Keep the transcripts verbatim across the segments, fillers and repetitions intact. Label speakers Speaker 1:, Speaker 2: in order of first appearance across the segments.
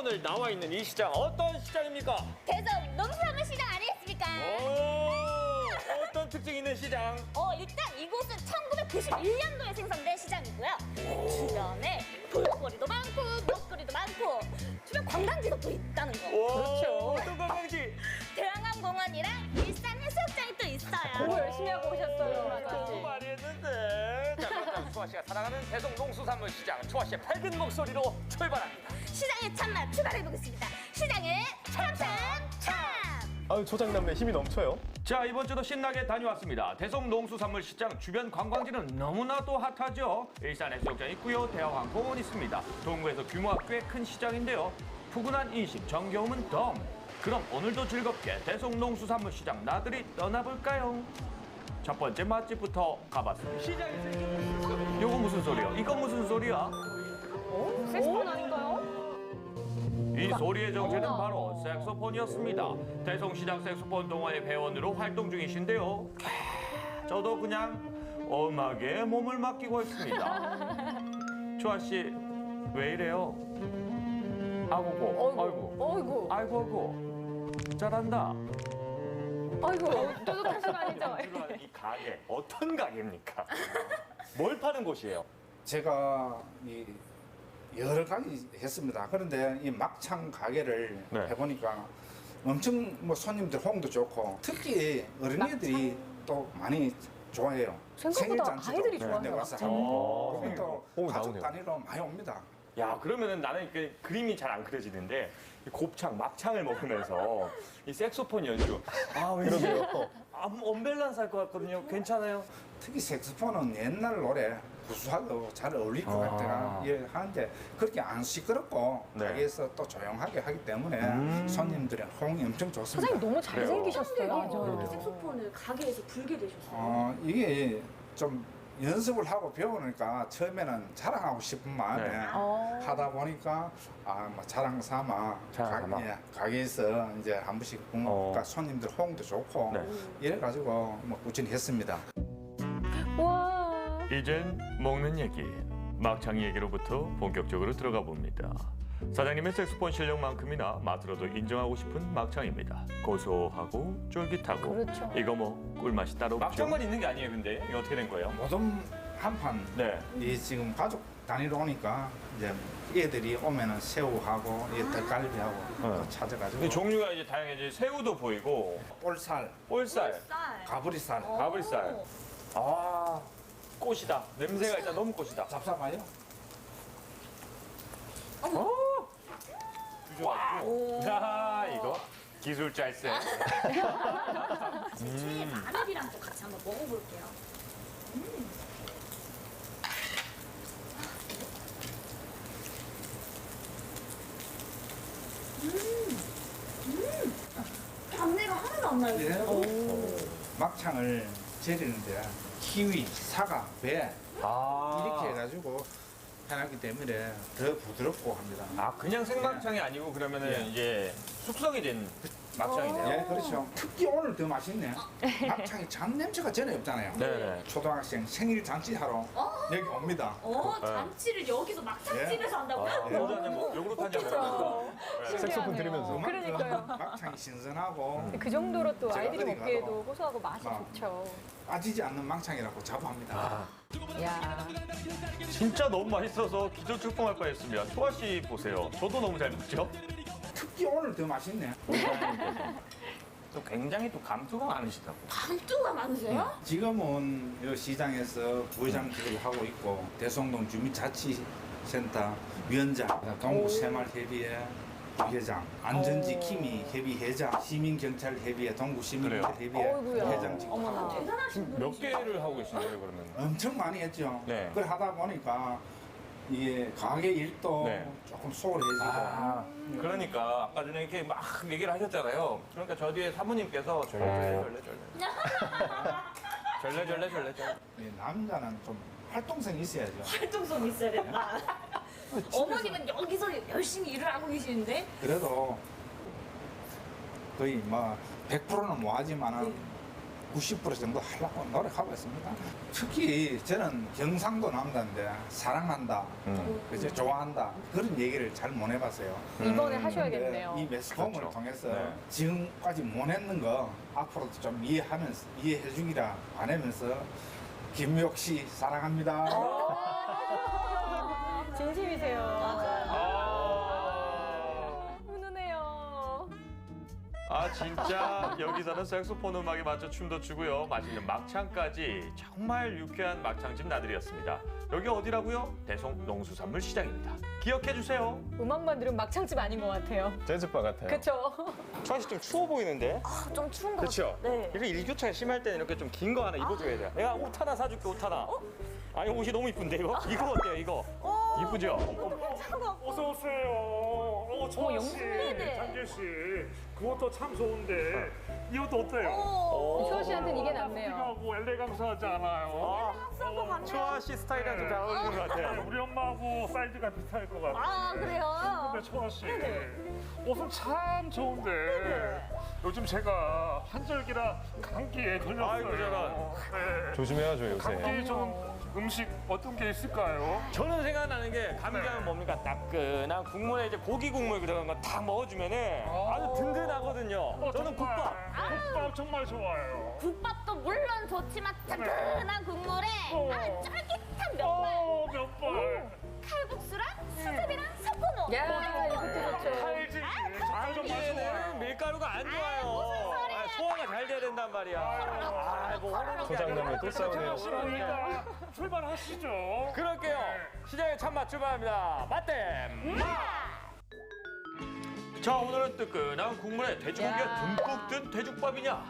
Speaker 1: 오늘 나와 있는 이 시장 어떤 시장입니까?
Speaker 2: 대성 농수산물 시장 아니겠습니까?
Speaker 1: 오, 어떤 특징 있는 시장?
Speaker 2: 어, 일단 이곳은 천구백구십일 년도에 생성된 시장이고요. 주변에 볼거리도 많고 먹거리도 많고 주변 관광지도 또 있다는 거.
Speaker 1: 오, 어떤 관광지?
Speaker 2: 대왕항공원이랑 일산 해수욕장이 또 있어요.
Speaker 3: 공부 열심히 하고 오셨어요.
Speaker 1: 너무 많이 했는데. 자, 그렇다면 초아 씨가 사랑하는 대성 농수산물 시장 초아 씨의 밝은 목소리로 출발합니다.
Speaker 2: 시장의 참맛 출발해보겠습니다. 시장의 참참참!
Speaker 4: 아유, 조장남매 힘이 넘쳐요.
Speaker 1: 자, 이번 주도 신나게 다녀왔습니다. 대성 농수산물 시장 주변 관광지는 너무나도 핫하죠. 일산 해수욕장 있고요, 대왕항공원 있습니다. 동구에서 규모가 꽤 큰 시장인데요. 푸근한 인심, 정겨움은 덤. 그럼 오늘도 즐겁게 대성 농수산물 시장 나들이 떠나볼까요? 첫 번째 맛집부터 가봤습니다. 시장에서 요거 무슨 소리야? 이건 무슨 소리야?
Speaker 3: 색소폰 아닌가요?
Speaker 1: 이 소리의 정체는 바로 색소폰이었습니다. 대성시장 색소폰 동아리 회원으로 활동 중이신데요. 캬, 저도 그냥 음악에 몸을 맡기고 있습니다. 조아 씨, 왜 이래요? 아이고, 아이고,
Speaker 3: 어이구,
Speaker 1: 아이고, 아이고, 잘한다.
Speaker 3: 어이구, 저도 다시 아니죠?
Speaker 1: 이 가게 어떤 가게입니까? 뭘 파는 곳이에요?
Speaker 5: 제가 이 여러 가지 했습니다. 그런데 이 막창 가게를
Speaker 1: 네.
Speaker 5: 해보니까 엄청 뭐 손님들 호응도 좋고 특히 어린이들이 또 많이 좋아해요.
Speaker 3: 생각보다
Speaker 5: 생일잔치도
Speaker 3: 아이들이
Speaker 5: 네,
Speaker 3: 좋아해요.
Speaker 5: 와서
Speaker 1: 오.
Speaker 5: 하고 거기 또
Speaker 4: 오,
Speaker 5: 가족
Speaker 4: 나오네요.
Speaker 5: 단위로 많이 옵니다.
Speaker 1: 야, 그러면은 나는 그 그림이 잘 안 그려지는데 이 곱창, 막창을 먹으면서 이 색소폰 연주. 아, 왠지
Speaker 4: 그러게요.
Speaker 1: 아, 언밸런스 할 것 같거든요. 괜찮아요?
Speaker 5: 특히 색소폰은 옛날 노래 구수하고 잘 어울릴 것
Speaker 1: 아.
Speaker 5: 같아가 예, 하는데 그렇게 안 시끄럽고
Speaker 1: 네.
Speaker 5: 가게에서 또 조용하게 하기 때문에
Speaker 1: 음.
Speaker 5: 손님들의 호응이 엄청 좋습니다.
Speaker 3: 사장님 너무 잘생기셨어요.
Speaker 2: 이렇게
Speaker 3: 맞아요.
Speaker 2: 색소폰을 가게에서 불게 되셨어요.
Speaker 5: 어, 이게 좀 연습을 하고 배우니까 처음에는 자랑하고 싶은 마음에
Speaker 1: 네.
Speaker 3: 어.
Speaker 5: 하다 보니까 아, 뭐 자랑 삼아
Speaker 1: 자랑 삼아.
Speaker 5: 가, 예, 가게에서 이제 한 번씩
Speaker 1: 어.
Speaker 5: 그러니까 손님들 호응도 좋고
Speaker 1: 네.
Speaker 5: 이래가지고 뭐 꾸준히 했습니다.
Speaker 3: 와.
Speaker 1: 이젠 먹는 얘기, 막창 얘기로부터 본격적으로 들어가 봅니다. 사장님의 색소폰 실력만큼이나 맛으로도 인정하고 싶은 막창입니다. 고소하고 쫄깃하고
Speaker 3: 그렇죠.
Speaker 1: 이거 뭐 꿀맛이 따로 없죠. 막창만 있는 게 아니에요, 근데 이게 어떻게 된 거예요?
Speaker 5: 모든 한판
Speaker 1: 네.
Speaker 5: 이 지금 가족 단위로 오니까 이제 애들이 오면은 새우하고 이 닭갈비하고 또 찾아가지고
Speaker 1: 근데 종류가 이제 다양해지. 새우도 보이고
Speaker 5: 볼살,
Speaker 1: 볼살,
Speaker 5: 가브리살
Speaker 1: 가브리살. 아, 꽃이다. 냄새가 일단 너무 꽃이다.
Speaker 5: 잡사봐요.
Speaker 1: 어? 주셔가지고. 야, 이거 기술 짤세.
Speaker 2: 최애 마늘이랑 또 같이 한번 먹어볼게요. 잡내가 하나도 안 나요.
Speaker 5: 예. 막창을 재리는데 키위, 사과, 배
Speaker 1: 아,
Speaker 5: 이렇게 해가지고 해놨기 때문에 더 부드럽고 합니다.
Speaker 1: 아, 그냥 생막창이 아니고 그러면은
Speaker 5: 예.
Speaker 1: 이제 숙성이 된 막창이네요.
Speaker 5: 예, 그렇죠. 특히 오늘 더 맛있네. 막창이 잔 냄새가 전혀 없잖아요.
Speaker 1: 네네.
Speaker 5: 초등학생 생일 잔치 하러 여기 옵니다.
Speaker 2: 어, 잔치를 여기서 막창집에서 한다고요?
Speaker 1: 아, 소주 한잔 먹, 요구르트 한잔 먹으면서. 네.
Speaker 4: 색소폰 들으면서.
Speaker 3: 그러니까요.
Speaker 5: 막창이 신선하고
Speaker 3: 그 정도로 또
Speaker 5: 제가
Speaker 3: 아이들이
Speaker 5: 어디
Speaker 3: 먹기에도
Speaker 5: 가도
Speaker 3: 고소하고 맛이
Speaker 5: 막
Speaker 3: 좋죠.
Speaker 5: 빠지지 않는 막창이라고 자부합니다.
Speaker 1: 아,
Speaker 3: 야.
Speaker 1: 진짜 너무 맛있어서 기절 출동할 뻔했습니다. 초아 씨 보세요. 저도 너무 잘 먹죠?
Speaker 5: 특히 오늘 더 맛있네.
Speaker 1: 또 굉장히 또 감수가 많으시다고.
Speaker 2: 감투가 많으세요?
Speaker 5: 지금은 이 시장에서 부회장직을 하고 있고 대성동 주민자치센터 위원장, 동구 새마을협의회 부회장, 안전지 키미 협의회장, 시민경찰협의회 동구 시민경찰협의회
Speaker 3: 어이구야.
Speaker 5: 회장직
Speaker 3: 어머나.
Speaker 2: 대단하신 분.
Speaker 1: 몇 개를 하고 계신 거예요, 그러면?
Speaker 5: 엄청 많이 했죠.
Speaker 1: 네.
Speaker 5: 그걸 하다 보니까 이게 가게 일도
Speaker 1: 네.
Speaker 5: 조금 소홀해지고
Speaker 1: 아, 그러니까 아까 전에 이렇게 막 얘기를 하셨잖아요. 그러니까 저 뒤에 사모님께서 절레 절레 절레 절레 절레 절레 절레.
Speaker 5: 이 남자는 좀 활동성이 있어야죠.
Speaker 2: 활동성 있어야 된다. 어머님은 여기서 열심히 일을 하고 계시는데
Speaker 5: 그래도 거의 뭐 백 퍼센트는 뭐 하지만은 구십 퍼센트 정도 하려고 노력하고 있습니다. 특히 저는 경상도 남자인데 사랑한다, 그죠? 좋아한다 그런 얘기를 잘 못 해봤어요.
Speaker 3: 이번에
Speaker 5: 근데
Speaker 3: 하셔야겠네요.
Speaker 5: 이 매스컴을
Speaker 1: 그렇죠.
Speaker 5: 통해서
Speaker 1: 네.
Speaker 5: 지금까지 못 했는 거 앞으로도 좀 이해하면서 이해해주기라 바라면서 김미옥 씨 사랑합니다.
Speaker 3: 진심이세요.
Speaker 1: 아,
Speaker 3: 훈훈해요.
Speaker 1: 아 진짜 여기서는 색소폰 음악에 맞춰 춤도 추고요. 맛있는 막창까지 정말 유쾌한 막창집 나들이었습니다. 여기 어디라고요? 대성 농수산물 시장입니다. 기억해 주세요.
Speaker 3: 음악만 들으면 막창집 아닌 것 같아요.
Speaker 4: 재즈바 같아요.
Speaker 3: 그쵸?
Speaker 1: 초아 씨좀 추워 보이는데?
Speaker 2: 아, 좀 추운 것
Speaker 1: 그렇죠?
Speaker 2: 같아요. 네.
Speaker 1: 이렇게 일교차가 심할 때는 이렇게 좀 긴 거 하나 입어줘야 돼요. 내가 옷 하나 사줄게, 옷 하나. 아니 옷이 너무 이쁜데 이거? 이거 어때요, 이거? 이쁘죠?
Speaker 6: 어서 오세요. 어, 정원 씨,
Speaker 2: 네네.
Speaker 6: 장길 씨, 그것도 참 좋은데 이 옷도 어때요?
Speaker 2: 오.
Speaker 3: 초아 씨한테는 이게 낫네요.
Speaker 6: 하고 엘레강스하지 않아요?
Speaker 2: 합성도 같네요.
Speaker 1: 초아 씨 스타일이랑 좀 잘 어울리는 것
Speaker 6: 네,
Speaker 1: 같아요.
Speaker 6: 우리 엄마하고 사이즈가 비슷할 것 같아요.
Speaker 2: 아, 그래요?
Speaker 6: 근데 초아 씨, 옷은 참 좋은데 요즘 제가 환절기라 감기에 걸렸어요.
Speaker 1: 아이고, 저런.
Speaker 6: 네.
Speaker 4: 조심해야죠, 요새.
Speaker 6: 감기 좋은 음식 어떤 게 있을까요?
Speaker 1: 저는 생각나는 게 감기하면 뭡니까? 따끈한 국물에 이제 고기 국물 들어간 거 다 먹어주면은 아주 든든하거든요.
Speaker 6: 어,
Speaker 1: 저는
Speaker 6: 정말,
Speaker 1: 국밥.
Speaker 6: 국밥 정말 좋아요.
Speaker 2: 국밥도 물론 좋지만 뜨끈한 국물에
Speaker 6: 어.
Speaker 2: 아, 쫄깃한 면발,
Speaker 6: 어, 몇 번.
Speaker 2: 칼국수랑 수제비랑 섞어놓은
Speaker 3: 야, 이것도 좋죠.
Speaker 6: 칼지. 정말 정말
Speaker 1: 감기에는
Speaker 6: 좋아요.
Speaker 1: 밀가루가 안
Speaker 2: 무슨
Speaker 1: 좋아요.
Speaker 2: 소리야.
Speaker 1: 아, 소화가 잘 돼야 된단 말이야. 아, 뭐 호로록
Speaker 4: 조장남매 또 싸우네요.
Speaker 6: 그러니까 출발하시죠.
Speaker 1: 그럴게요. 시장에 참맛 출발합니다. 맛댐! 자, 오늘은 뜨끈한 국물에 돼지고기가
Speaker 3: 야.
Speaker 1: 듬뿍 든 돼죽밥이냐?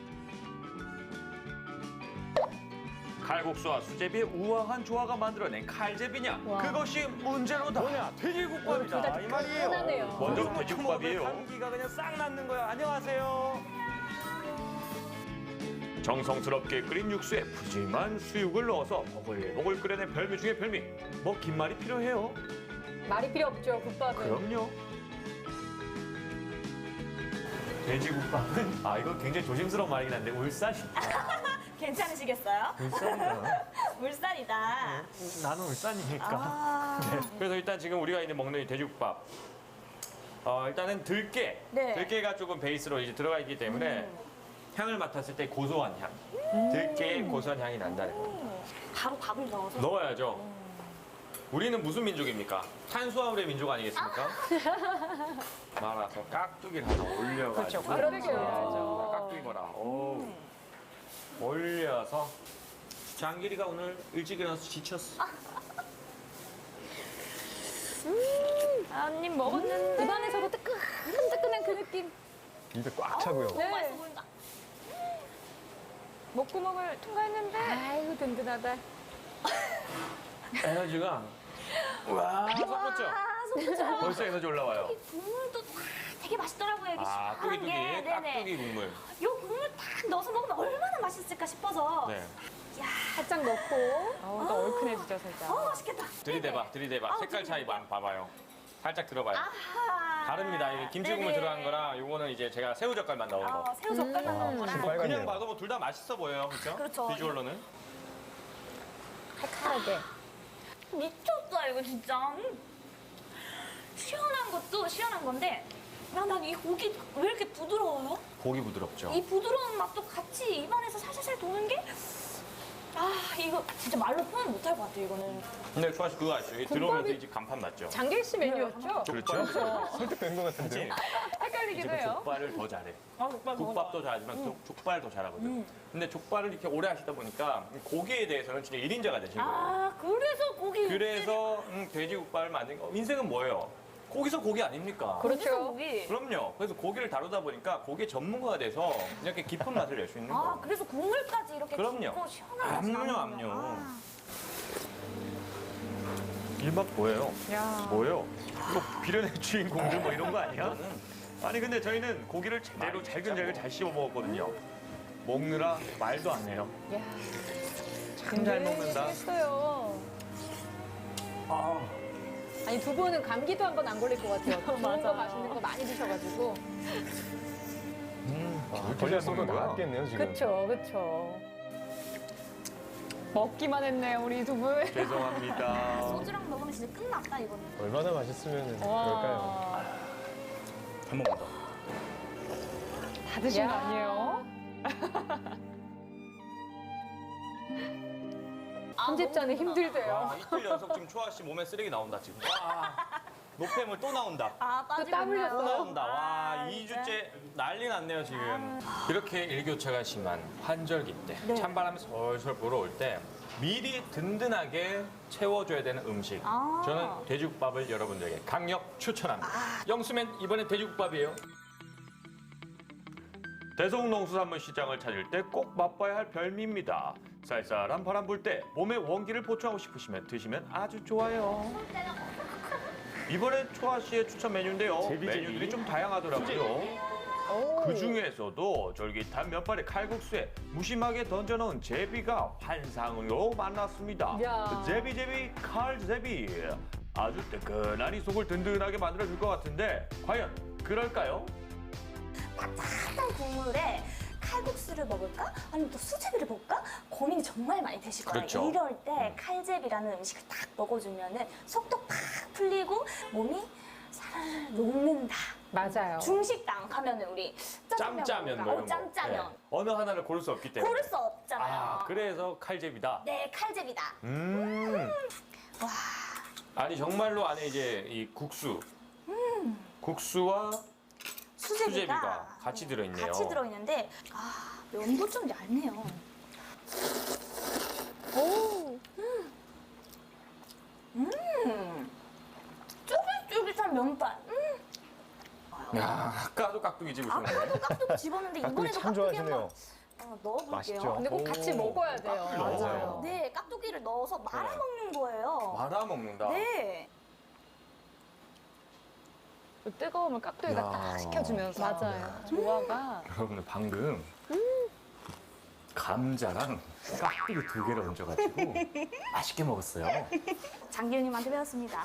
Speaker 1: 칼국수와 수제비의 우아한 조화가 만들어낸 칼제비냐?
Speaker 3: 와.
Speaker 1: 그것이 문제로다. 뭐냐? 돼지국밥이다.
Speaker 3: 둘다
Speaker 1: 이 말이에요.
Speaker 3: 뜨끈하네요.
Speaker 1: 먼저 돼지국밥이에요. 감기가 그냥 싹 낫는 거야. 안녕하세요. 정성스럽게 끓인 육수에 푸짐한 수육을 넣어서 보글보글 끓여낸 별미 중에 별미. 뭐 긴 말이 필요해요?
Speaker 3: 말이 필요 없죠, 국밥은.
Speaker 1: 그럼요. 돼지국밥은 아 이거 굉장히 조심스러운 말이긴 한데 울산이
Speaker 2: 괜찮으시겠어요?
Speaker 1: 울산이야.
Speaker 2: 물살이다.
Speaker 1: 나는 울산이니까.
Speaker 2: 아,
Speaker 1: 네. 그래서 일단 지금 우리가 이제 먹는 이 돼지국밥. 어 일단은 들깨.
Speaker 2: 네.
Speaker 1: 들깨가 조금 베이스로 이제 들어가 있기 때문에 향을 맡았을 때 고소한 향. 들깨의 고소한 향이 난다는 거.
Speaker 2: 바로 밥을 넣어서.
Speaker 1: 넣어야죠. 우리는 무슨 민족입니까? 탄수화물의 민족 아니겠습니까? 말아서 깍두기를 하나 올려가지고.
Speaker 3: 그렇죠.
Speaker 1: 깍두기 봐라. 오. 올려서 장길이가 오늘 일찍 일어나서 지쳤어.
Speaker 2: 한입 먹었는데.
Speaker 3: 입안에서도 뜨끈뜨끈한 그 느낌.
Speaker 4: 입에 꽉 차고요.
Speaker 3: 네.
Speaker 2: 맛있어 보인다.
Speaker 3: 목구멍을 통과했는데. 아이고, 든든하다.
Speaker 1: 에너지가 와 솟았죠?
Speaker 2: 아, 소프죠.
Speaker 1: 벌써 에너지 올라와요.
Speaker 2: 국물도 되게 맛있더라고요. 이게
Speaker 1: 아
Speaker 2: 시원한
Speaker 1: 뚜기뚜기
Speaker 2: 게. 네네.
Speaker 1: 깍두기 국물.
Speaker 2: 요 국물 딱 넣어서 먹으면 얼마나 맛있을까 싶어서.
Speaker 1: 네.
Speaker 2: 야,
Speaker 3: 살짝 넣고. 어, 또 얼큰해지죠, 살짝.
Speaker 2: 어 맛있겠다.
Speaker 1: 들이대봐 들이대봐.
Speaker 2: 아우,
Speaker 1: 색깔 차이
Speaker 2: 들이대봐.
Speaker 1: 봐- 봐봐요. 살짝 들어봐요.
Speaker 2: 아하.
Speaker 1: 다릅니다. 이게 김치국물
Speaker 2: 네네.
Speaker 1: 들어간 거랑 요거는 이제 제가 새우젓갈만 넣은 거.
Speaker 2: 아, 새우 젓갈만 넣은 거라.
Speaker 4: 음.
Speaker 1: 뭐 그냥
Speaker 4: 빨갛네요.
Speaker 1: 봐도 뭐 둘 다 맛있어 보여요. 그렇죠?
Speaker 2: 그렇죠.
Speaker 1: 비주얼로는.
Speaker 3: 칼칼하게.
Speaker 2: 미쳤다 이거 진짜. 음. 시원한 것도 시원한 건데, 야, 난 이 고기 왜 이렇게 부드러워요?
Speaker 1: 고기 부드럽죠.
Speaker 2: 이 부드러운 맛도 같이 입안에서 살살살 도는 게, 아 이거 진짜 말로 표현 못할 것 같아요 이거는.
Speaker 1: 근데 주아 씨 그거 아시죠? 이게 들어오면서 이제 간판 났죠?
Speaker 3: 장길 씨 메뉴였죠?
Speaker 1: 그렇죠?
Speaker 4: 설득된 것 같은데요.
Speaker 3: 헷갈리기도
Speaker 1: 이제
Speaker 3: 해요.
Speaker 1: 족발을 더 잘해.
Speaker 2: 아, 족발
Speaker 1: 국밥도 잘하지만 족- 족발을 더 잘하거든. 근데 족발을 이렇게 오래 하시다 보니까 고기에 대해서는 진짜 일인자가 되신 거예요.
Speaker 2: 아 그래서 고기.
Speaker 1: 그래서 음, 돼지국밥을 만든 거. 인생은 뭐예요? 거기서 고기 아닙니까?
Speaker 2: 그래서
Speaker 3: 그렇죠.
Speaker 2: 고기.
Speaker 1: 그럼요. 그래서 고기를 다루다 보니까 고기의 전문가가 돼서 이렇게 깊은 맛을 낼 수 있는
Speaker 2: 아
Speaker 1: 거예요.
Speaker 2: 그래서 국물까지 이렇게
Speaker 1: 그럼요.
Speaker 2: 깊고 시원한 맛이
Speaker 1: 압류,
Speaker 2: 나는군요.
Speaker 1: 압류.
Speaker 2: 아.
Speaker 1: 일맛 뭐예요?
Speaker 3: 야.
Speaker 1: 뭐예요? 이거 비련의 주인공들 뭐 이런 거 아니야? 아니 근데 저희는 고기를 제대로 잘근잘근 잘 씹어 먹었거든요. 먹느라 말도 안 해요.
Speaker 3: 야.
Speaker 1: 참 잘 먹는다.
Speaker 3: 했어요. 아니, 두 분은 감기도 한 번 안 걸릴 것 같아요. 좋은 거 맛있는 거 많이 드셔가지고.
Speaker 1: 음.
Speaker 4: 걸렸어도 나왔겠네요, 지금.
Speaker 3: 그쵸, 그쵸. 먹기만 했네요, 우리 두 분.
Speaker 1: 죄송합니다.
Speaker 2: 소주랑 먹으면 진짜 끝났다 이거는.
Speaker 4: 얼마나 맛있으면 그럴까요?
Speaker 3: 와,
Speaker 5: 한 번만 더.
Speaker 3: 다 드신 거 아니에요? 편집자는 힘들대요.
Speaker 7: 와, 이틀 연속 지금 초아 씨 몸에 쓰레기 나온다 지금. 와, 노폐물 또 나온다.
Speaker 2: 아
Speaker 3: 또
Speaker 2: 빠지고
Speaker 3: 땀
Speaker 2: 있네요.
Speaker 3: 흘렸어요?
Speaker 7: 또 나온다. 와,
Speaker 2: 아,
Speaker 7: 이
Speaker 2: 진짜.
Speaker 7: 주째 난리 났네요 지금.
Speaker 1: 이렇게 일교차가 심한 환절기 때,
Speaker 2: 네.
Speaker 1: 찬바람이 솔솔 불어올 때 미리 든든하게 채워줘야 되는 음식.
Speaker 2: 아.
Speaker 1: 저는 돼지국밥을 여러분들에게 강력 추천합니다. 영수맨 이번에 돼지국밥이에요. 대성농수산물 시장을 찾을 때 꼭 맛봐야 할 별미입니다. 쌀쌀한 바람 불 때 몸에 원기를 보충하고 싶으시면 드시면 아주 좋아요. 이번에 초아 씨의 추천 메뉴인데요. 메뉴들이 좀 다양하더라고요. 그 중에서도 쫄깃한 면발의 칼국수에 무심하게 던져놓은 제비가 환상으로 만났습니다.
Speaker 3: 야.
Speaker 1: 제비제비 칼제비. 아주 뜨끈하니 속을 든든하게 만들어줄 것 같은데 과연 그럴까요?
Speaker 2: 따뜻한 국물에 칼국수를 먹을까? 아니면 또 수제비를 먹을까? 고민이 정말 많이 되실 거예요.
Speaker 1: 그렇죠.
Speaker 2: 이럴 때 칼제비라는 음식을 딱 먹어주면은 속도 팍 풀리고 몸이 살살 녹는다.
Speaker 3: 맞아요.
Speaker 2: 중식당 가면은 우리 짜장면
Speaker 1: 짬짜면
Speaker 2: 먹을까?
Speaker 1: 뭐
Speaker 2: 어,
Speaker 1: 이런 거.
Speaker 2: 짬짜면
Speaker 1: 네. 어느 하나를 고를 수 없기 때문에.
Speaker 2: 고를 수 없잖아요.
Speaker 1: 아, 그래서 칼제비다.
Speaker 2: 네, 칼제비다.
Speaker 1: 음.
Speaker 2: 와,
Speaker 1: 아니 정말로 안에 이제 이 국수, 국수와
Speaker 2: 수제비가,
Speaker 1: 수제비가 같이 들어있네요.
Speaker 2: 같이 들어있는데 아, 면도 좀 얇네요. 오, 음, 음, 쫄깃쫄깃한 면발. 음.
Speaker 1: 야, 아까도 깍두기 집으셨네.
Speaker 2: 아까도 깍두기 집었는데
Speaker 4: 깍두기
Speaker 2: 이번에도
Speaker 4: 참
Speaker 2: 깍두기 한번
Speaker 4: 좋아하시네요.
Speaker 2: 어, 넣어볼게요.
Speaker 4: 맛있죠?
Speaker 3: 근데 꼭 같이 먹어야 돼요.
Speaker 1: 깍두기 넣어요.
Speaker 2: 네, 깍두기를 넣어서 말아 먹는 거예요.
Speaker 1: 말아 먹는다.
Speaker 2: 네.
Speaker 3: 그 뜨거우면 깍두기가
Speaker 1: 야.
Speaker 3: 딱 식혀주면서. 맞아요. 조화가.
Speaker 1: 여러분들 방금 감자랑 깍두기 두 개를 얹어가지고 맛있게 먹었어요.
Speaker 2: 장기훈님한테 배웠습니다.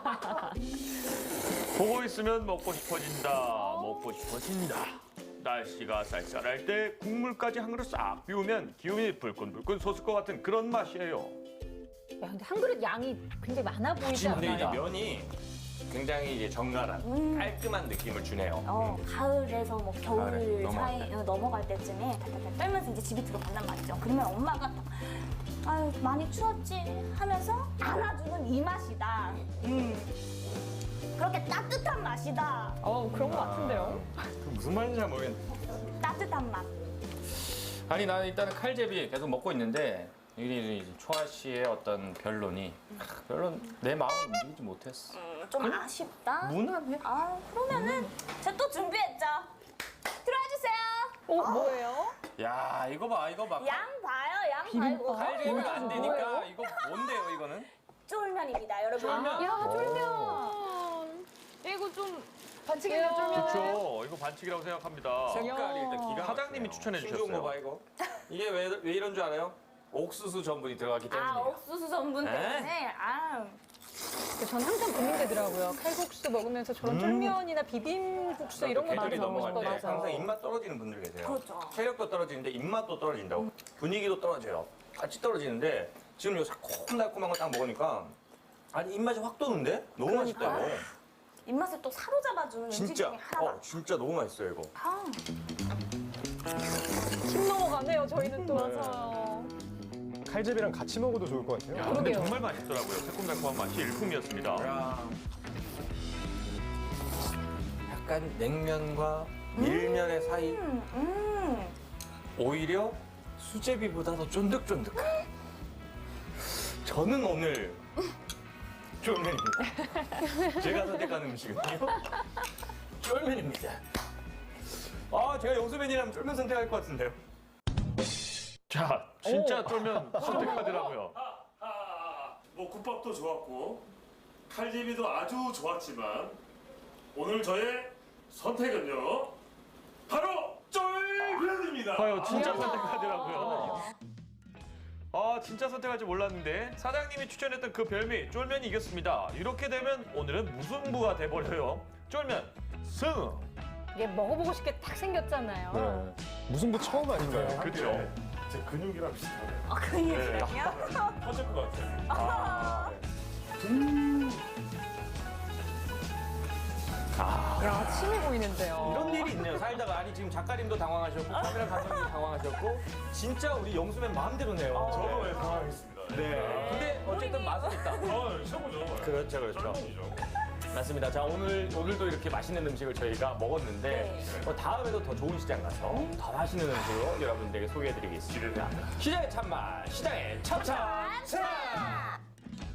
Speaker 1: 보고 있으면 먹고 싶어진다. 먹고 싶어진다. 날씨가 쌀쌀할 때 국물까지 한 그릇 싹 비우면 기운이 불끈불끈 솟을 것 같은 그런 맛이에요.
Speaker 3: 야, 근데 한 그릇 양이 굉장히 많아 보이지
Speaker 1: 근데 이제
Speaker 3: 않나요?
Speaker 1: 면이 굉장히 이제 정갈한
Speaker 2: 음.
Speaker 1: 깔끔한 느낌을 주네요.
Speaker 2: 어, 가을에서 뭐 겨울
Speaker 1: 가을에 넘어갈
Speaker 2: 사이
Speaker 1: 때.
Speaker 2: 어, 넘어갈 때쯤에 탈탈탈 떨면서 이제 집이 들어간단 말이죠. 그러면 엄마가 딱 아유 많이 추웠지 하면서 안아주는 이 맛이다. 음. 그렇게 따뜻한 맛이다.
Speaker 3: 어, 그런 것 같은데요?
Speaker 1: 그 무슨 말인지 잘 모르겠네.
Speaker 2: 따뜻한 맛.
Speaker 1: 아니 나는 일단은 칼제비 계속 먹고 있는데 이 초아 씨의 어떤 변론이 별로 내 마음을 움직이지 못했어.
Speaker 2: 음, 좀 아쉽다.
Speaker 1: 무난해.
Speaker 2: 아 그러면은 제가 또 준비했죠. 들어와 주세요.
Speaker 3: 어, 뭐예요?
Speaker 1: 야 이거 봐 이거 봐.
Speaker 2: 양 봐요, 양
Speaker 3: 비빔밥?
Speaker 2: 봐요.
Speaker 1: 칼제비가 안 되니까 이거 뭔데요 이거는?
Speaker 2: 쫄면입니다, 여러분.
Speaker 1: 쫄면.
Speaker 3: 야, 쫄면. 이거 좀 반칙이네요, 쫄면.
Speaker 1: 그렇죠. 이거 반칙이라고 생각합니다.
Speaker 7: 색깔이 일단 기가
Speaker 1: 사장님이 추천해
Speaker 7: 신종
Speaker 1: 주셨어요.
Speaker 7: 거 봐 이거. 이게 왜, 왜 이런 줄 알아요? 옥수수 전분이 들어가기 때문에.
Speaker 2: 아 옥수수 전분
Speaker 1: 네?
Speaker 2: 때문에. 아.
Speaker 3: 전 항상 고민되더라고요. 칼국수 먹으면서 저런 쫄면이나 비빔국수 이런 거 많이
Speaker 1: 배들이
Speaker 3: 먹고
Speaker 1: 넘어갈 때
Speaker 3: 싶어서.
Speaker 1: 항상 입맛 떨어지는 분들 계세요.
Speaker 2: 그렇죠.
Speaker 1: 체력도 떨어지는데 입맛도 떨어진다고. 분위기도 떨어져요. 같이 떨어지는데 지금 요 새콤달콤한 거 딱 먹으니까 아니 입맛이 확 도는데? 너무
Speaker 2: 그러니까.
Speaker 1: 맛있다고.
Speaker 2: 입맛을 또 사로잡아주는 음식
Speaker 1: 진짜.
Speaker 2: 중에 하나다.
Speaker 1: 어, 진짜 너무 맛있어요 이거.
Speaker 2: 아,
Speaker 3: 힘 넘어가네요, 저희는 또.
Speaker 1: 네.
Speaker 3: 맞아요.
Speaker 4: 칼제비랑 같이 먹어도 좋을 것 같아요.
Speaker 1: 야, 근데
Speaker 3: 그러게요.
Speaker 1: 정말 맛있더라고요. 새콤달콤한 맛이 일품이었습니다.
Speaker 7: 약간 냉면과 밀면의 사이.
Speaker 2: 음, 음.
Speaker 1: 오히려 수제비보다 더 쫀득쫀득한. 저는 오늘 쫄면입니다. 제가 선택한 음식은요. 쫄면입니다. 아, 제가 영수맨이라면 쫄면 선택할 것 같은데요. 자, 진짜 쫄면 선택하더라고요.
Speaker 6: 아, 뭐 국밥도 좋았고 칼제비도 아주 좋았지만 오늘 저의 선택은요 바로 쫄면입니다.
Speaker 1: 봐요, 진짜 선택하더라고요. 아, 진짜 선택할 줄 몰랐는데 사장님이 추천했던 그 별미 쫄면이 이겼습니다. 이렇게 되면 오늘은 무승부가 돼버려요. 쫄면 승!
Speaker 3: 이게 먹어보고 싶게 딱 생겼잖아요.
Speaker 4: 네. 무승부 처음 아닌가요?
Speaker 6: 그렇죠. 제 근육이랑 비슷하네요.
Speaker 2: 아, 근육이랑요?
Speaker 6: 터질 것 같아요.
Speaker 3: 야, 침이 보이는데요.
Speaker 7: 이런 일이 있네요. 살다가 아니 지금 작가님도 당황하셨고 카메라 감독님도 당황하셨고 진짜 우리 영수맨 마음대로네요.
Speaker 6: 저도 왜 당황했습니다.
Speaker 7: 네. 근데 어쨌든 맛은 있다.
Speaker 6: 아, 최고죠.
Speaker 7: 그렇죠, 그렇죠.
Speaker 6: 쩔먹이죠.
Speaker 7: 맞습니다. 자, 오늘, 오늘도 이렇게 맛있는 음식을 저희가 먹었는데,
Speaker 2: 네.
Speaker 7: 어, 다음에도 더 좋은 시장 가서 더 맛있는 음식으로 여러분들에게 소개해드리겠습니다.
Speaker 6: 기대됩니다.
Speaker 7: 시장의 참맛, 시장의 참참!
Speaker 2: 자!